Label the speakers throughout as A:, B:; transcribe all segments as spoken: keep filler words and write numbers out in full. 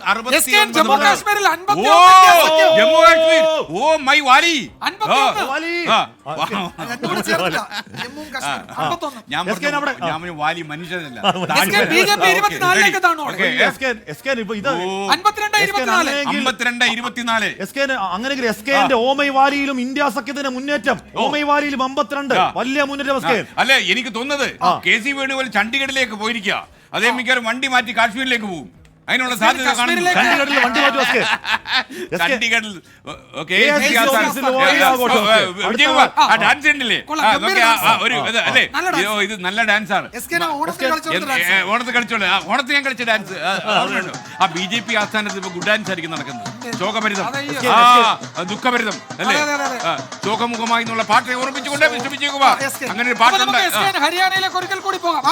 A: ജമ്മു കാശ്മീരിൽ
B: Jammu Kashmir oh my valley ഞാൻ valley മനുഷ്യനല്ല.
C: അങ്ങനെയെങ്കിൽ എസ് കെന്റെ ഓമൈ വാലിയിലും ഇന്ത്യ സഖ്യത്തിന്റെ മുന്നേറ്റം, ഓമൈ വാലിയിലും അമ്പത്തിരണ്ട് വലിയ മുന്നേറ്റം.
B: അല്ലെ എനിക്ക് തോന്നുന്നത് കെ സി വേണുഗോപാൽ ചണ്ഡീഗഡിലേക്ക് പോയിരിക്കുക. അതേ മിക്കവാറും വണ്ടി മാറ്റി കാശ്മീരിലേക്ക് പോകും. അതിനുള്ള സാധ്യത കാണുന്നു. ചണ്ഡീഗഡിൽ ഡാൻസ് ഉണ്ടല്ലേ ഒരു അല്ലേ, ഇത് നല്ല ഡാൻസ് ആണ്. ഓണത്ത് കളിച്ചോളൂ. ഓണത്തിന് ഞാൻ കളിച്ച ഡാൻസ് ആ ബി ജെ പി ആസ്ഥാനത്ത് ഇപ്പൊ ഗുഡ് ഡാൻസ് ആയിരിക്കും നടക്കുന്നത്. ശോകഭരിതം, ആ ദുഃഖഭരിതം അല്ലേ, ശോകമുഖമായി എന്നുള്ള പാട്ട് ഓർമ്മിച്ചുകൊണ്ട് വിശ്രമിച്ചേക്കുക. അങ്ങനെ ഒരു പാട്ടുണ്ട്.
A: ഹരിയാനയിലേക്ക് ഒരിക്കൽ കൂടി പോകാം.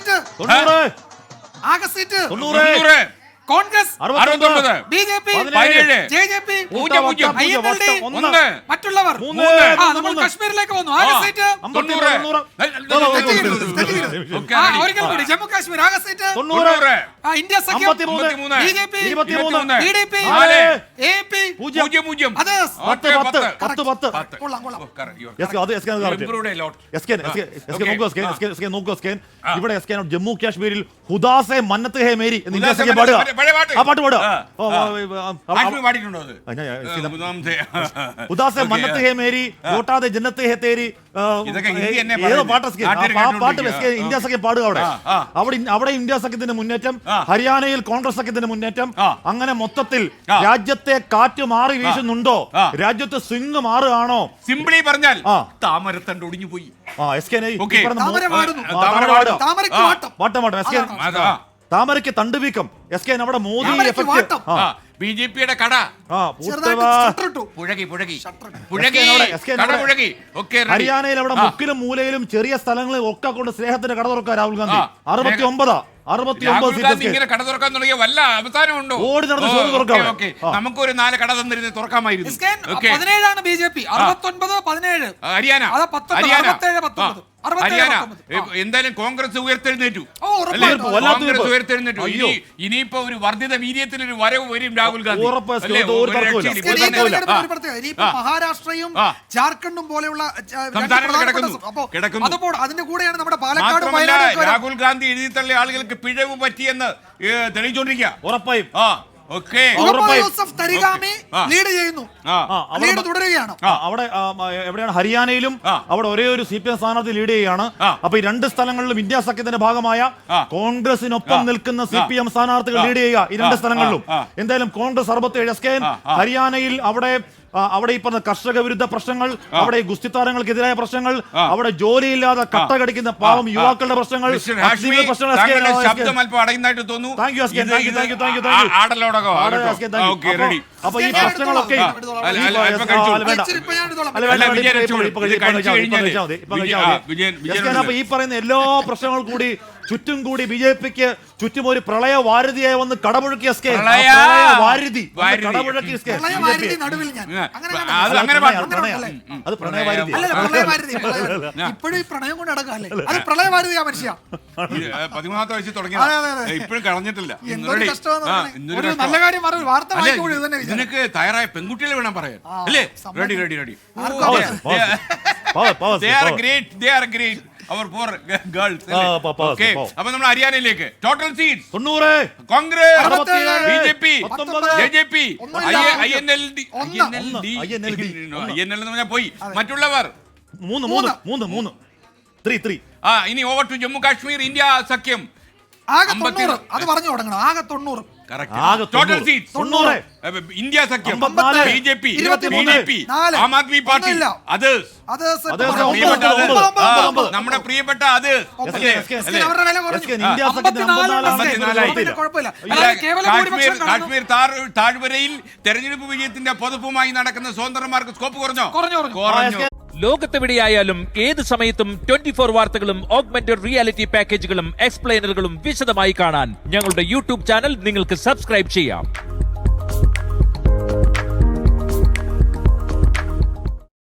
A: ആകെ സീറ്റ് കോൺഗ്രസ്
B: അറുപത്തൊമ്പത്,
A: ബി ജെ പി
B: പതിനേഴ്,
A: ജെ ജെ പി
B: പൂജ്യം പൂജ്യം,
A: ഐ എൻ എൽ ഡി
B: ഒന്ന്,
A: മറ്റുള്ളവർ നമ്മൾ കശ്മീരിലേക്ക് വന്നു. ആകെ സീറ്റ് ഒരിക്കൽ കൂടി ജമ്മു കാശ്മീർ ആകെ സീറ്റ്
B: തൊണ്ണൂറ്,
A: ഇന്ത്യ സഖ്യം B J P T D P A P
B: പൂജ്യം പൂജ്യം,
C: ഇവിടെ ജമ്മു കാശ്മീരിൽ ഹുദാസെ മന്നത്ത് ഹേ മേരി ഇന്ത്യ സഖ്യം പാടുക. ആ പാട്ട് പാടുക. ഉദാസെ മന്നത്ത് ഹേ മേരി വോട്ടാതെ ജന്നത്ത് ഹേ തേരി ഏതോ പാട്ട് പാട്ട് ഇന്ത്യ സഖ്യം പാടുക. അവിടെ അവിടെ അവിടെ ഇന്ത്യ സഖ്യത്തിന്റെ മുന്നേറ്റം, ഹരിയാനയിൽ കോൺഗ്രസ് സഖ്യത്തിന്റെ മുന്നേറ്റം. അങ്ങനെ മൊത്തത്തിൽ രാജ്യത്തെ കാറ്റ് മാറി വീശുന്നുണ്ടോ, രാജ്യത്തെ സ്വിംഗ് മാറുകയാണോ?
B: സിംപിളി പറഞ്ഞാൽ താമരത്തണ്ട് ഒടിഞ്ഞു പോയി.
C: താമരയ്ക്ക് തണ്ട് വീക്കം. എസ് കെ അവിടെ മോദി എഫക്ട്.
B: ബി ജെ പിയുടെ കട പുഴകി പുഴകി പുഴകി
C: ഹരിയാനയിൽ അവിടെ മുക്കിലും മൂലയിലും ചെറിയ സ്ഥലങ്ങളിൽ ഒക്കെ കൊണ്ട് സ്നേഹത്തിന്റെ കട തുറക്കാം രാഹുൽ ഗാന്ധി. അറുപത്തി ഒമ്പതാ അറുപത്തി ഒമ്പത്
B: ഇങ്ങനെ കട തുറക്കാൻ തുടങ്ങിയ വല്ല അവസാനമുണ്ടോ?
C: ഓടി നടന്ന്
B: നമുക്കൊരു നാല് കട തന്നിരുന്ന് തുറക്കാമായിരുന്നു.
A: പതിനേഴാണ് ബി ജെ പി, അറുപത്തൊൻപത് പതിനേഴ്
B: ഹരിയാന. ഹരിയാന എന്തായാലും കോൺഗ്രസ് ഉയർത്തെഴുന്നേറ്റു. കോൺഗ്രസ് ഉയർത്തെഴുന്നേറ്റു. ഇനി ഇനിയിപ്പോ ഒരു വർദ്ധിത വീര്യത്തിൽ ഒരു വരവ് വരും രാഹുൽ ഗാന്ധി.
A: മഹാരാഷ്ട്രയും ജാർഖണ്ഡും പോലെയുള്ള
B: കിടക്കുന്നു.
A: അതിന്റെ കൂടെയാണ് നമ്മുടെ പാലക്കാട്.
B: രാഹുൽ ഗാന്ധി എഴുതി തള്ളിയ ആളുകൾക്ക് പിഴവ് പറ്റിയെന്ന് തെളിയിച്ചോണ്ടിരിക്കുക.
C: ഉറപ്പായും അവിടെ എവിടെയാണ് ഹരിയാനയിലും അവിടെ ഒരേ ഒരു സി പി എം സ്ഥാനാർത്ഥി ലീഡ് ചെയ്യുകയാണ്. അപ്പൊ ഈ രണ്ട് സ്ഥലങ്ങളിലും ഇന്ത്യ സഖ്യത്തിന്റെ ഭാഗമായ കോൺഗ്രസിനൊപ്പം നിൽക്കുന്ന സി പി എം സ്ഥാനാർത്ഥികൾ ലീഡ് ചെയ്യുക. ഈ രണ്ട് സ്ഥലങ്ങളിലും എന്തായാലും കോൺഗ്രസ് അറുപത്തിയേഴ്. എസ് കെ ഹരിയാനയിൽ അവിടെ അവിടെ ഈ പറഞ്ഞ കർഷക വിരുദ്ധ പ്രശ്നങ്ങൾ, അവിടെ ഗുസ്തിത്താരങ്ങൾക്കെതിരായ പ്രശ്നങ്ങൾ, അവിടെ ജോലിയില്ലാതെ കട്ട കടിക്കുന്ന പാവം യുവാക്കളുടെ പ്രശ്നങ്ങൾ, അപ്പൊ ഈ പ്രശ്നങ്ങളൊക്കെ അപ്പൊ ഈ പറയുന്ന എല്ലാ പ്രശ്നങ്ങളും കൂടി ചുറ്റും കൂടി ബി ജെ പിക്ക് ചുറ്റും ഒരു പ്രളയ വാരുതിയായി വന്ന് കടമുഴക്കി. എസ് കെ വാരുതി കടമുഴക്കി. എസ് കെ അത് പ്രണയവാരുതി
A: ഇപ്പോഴും ഈ പ്രണയം കൊണ്ട് നടക്കാല്ലേ, അത് പ്രളയവാരുതിയാ മനുഷ്യ.
B: പതിമൂന്നാമത്തെ വയസ്സിൽ തുടങ്ങിയ ഇപ്പോഴും കളഞ്ഞിട്ടില്ല.
A: നല്ല കാര്യം വാർത്ത
B: നിനക്ക് തയ്യാറായ പെൺകുട്ടികളെ വേണം പറയാൻ അല്ലേ? റെഡി റെഡി റെഡി അവർ പോർ ഗേൾസ്. അപ്പൊ നമ്മൾ ഹരിയാനയിലേക്ക് ടോട്ടൽ സീറ്റ്സ് തൊണ്ണൂറ്. Congress, B J P, J J P, I N L D I N L എന്ന് പറഞ്ഞാൽ പോയി. മറ്റുള്ളവർ
C: മൂന്ന് മൂന്ന് മൂന്ന് മൂന്ന് ത്രീ ത്രീ.
B: ആ ഇനി over to Jammu Kashmir India സഖ്യം.
A: ആകെ തൊണ്ണൂറ്. അത് പറഞ്ഞു തുടങ്ങണം. ആകെ തൊണ്ണൂറ്.
B: ടോട്ടൽ സീറ്റ്സ് തൊണ്ണൂറ്. ഇന്ത്യ സഖ്യം, B J P, B J P, Aam Aadmi party, others, നമ്മുടെ പ്രിയപ്പെട്ട അതേഴ്സ്. കാശ്മീർ താഴ്വരയിൽ തെരഞ്ഞെടുപ്പ് വിജയത്തിന്റെ പൊതുപ്പുമായി നടക്കുന്ന സ്വതന്ത്രന്മാർക്ക് സ്കോപ്പ് കുറഞ്ഞോ? കുറഞ്ഞു.
D: ലോകത്തെവിടെയായാലും ഏത് സമയത്തും ട്വന്റി ഫോർ വാർത്തകളും ഓഗ്മെന്റഡ് റിയാലിറ്റി പാക്കേജുകളും എക്സ്പ്ലെയിനറുകളും വിശദമായി കാണാൻ ഞങ്ങളുടെ യൂട്യൂബ് ചാനൽ നിങ്ങൾക്ക് സബ്സ്ക്രൈബ് ചെയ്യാം.